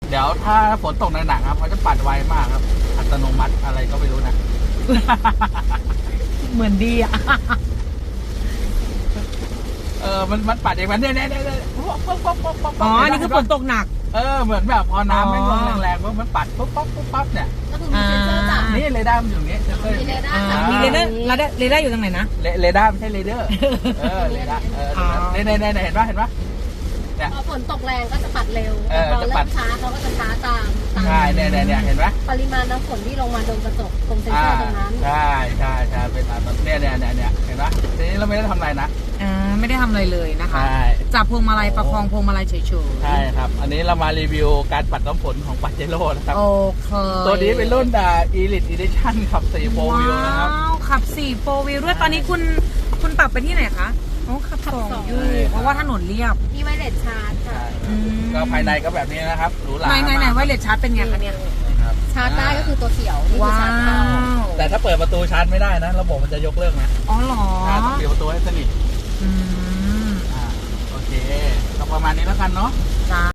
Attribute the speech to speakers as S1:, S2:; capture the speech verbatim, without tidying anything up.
S1: เดี๋ยวถ้าฝนตกหนักๆครับเขาจะปัดไวมากครับอัตโนมัติอะไรก็ไม่รู้นะ
S2: เหมือนดีอ่ะ
S1: เออมันมันปัดเองมันเนี่ยเนี่ยเนี่ยปุ๊บปุ๊บปุ๊บปุ๊บปุ๊บ
S2: อ๋ออันนี่คือฝนตกหนัก
S1: เออเหมือนแบบพอน้ำไม่ลง
S2: อ๋อ
S1: แรงๆปุ๊บมันปัดปุ๊บปุ๊บปุ๊บปุ๊บเนี่ย
S3: ก็คือมีเซ็นเซอร์จับ
S1: นี่เรดาร์มันอยู่ตรงนี้เซนเซอร์
S3: มีเรดา
S2: อ่า
S3: ร์จับ
S2: มีเรดาร์เรดาร์เรดาร์อยู่ตรงไหนนะ
S1: เรเรดาร์ไม่ใช่เรเดอร์เออเรดาร์เออ
S2: อ๋อ
S1: เนี่ยเนี่ยเนี่ยเห็นปะเห็นปะเนี่ย
S3: พอฝนตกแรงก็จะปัดเร็ว
S1: เออ
S3: พอ
S1: จะ
S3: เริ่
S1: ปัด
S3: มช้าเขาก็จะช้าตามตาม
S1: ใช่เนี่ยเนี่ยเนี่ยเห็นปะ
S3: ปริมาณน้ำฝนที่ลงมาโดนกระจกตรงเซ็นเซอร์ตรงนั้น
S1: ใช่ใช่ใช่เป็นตามแบบเนี่ยเนี่ยเนี่ยเนี่ยเห็นปะทีนี้เราไม่ได้ทำอะไรนะ
S2: อ่าไม่ได้ทำอะไรเลยนะคะ
S1: ใช่
S2: จับพวงมาลัยประคองพวงมาลัยเฉยๆ
S1: ใช่ครับ อันนี้เรามารีวิวการปัดน้ำฝนของปาเจโร่นะครับ
S2: โอเค
S1: ตัวนี้เป็นรุ่นอ่า Elite Edition ขับสี่โฟร์วิวนะครับ
S2: ว้าวขับสี่โฟวิวด้วยตอนนี้คุณคุณปรับไปที่ไหนคะโอ้ขับสองอยู่เพราะว่าถนนเรียบ
S3: มีไวเลสชาร์จค่ะ
S2: อืม
S1: ก็ภายในก็แบบนี้นะครับหรูหรา
S2: ไหนไหนไหน
S1: มาก
S2: ไวเลสชาร์จเป็นไงคะเนี่ย
S1: นะครับ
S3: ชาร์จได้ก็คือตัวเขียวนี่คือ
S2: ว้า
S3: ชาร์จเข้าว
S1: แต่ถ้าเปิดประตูชาร์จไม่ได้นะ ระบบมันจะยกเลิกนะ
S2: อ๋อเหรอ
S1: อ่าต้องปิดประตูให้สนิท
S2: อืม
S1: อ่าโอเคก็ประมาณนี้แล้วกันเนาะ
S2: จ้า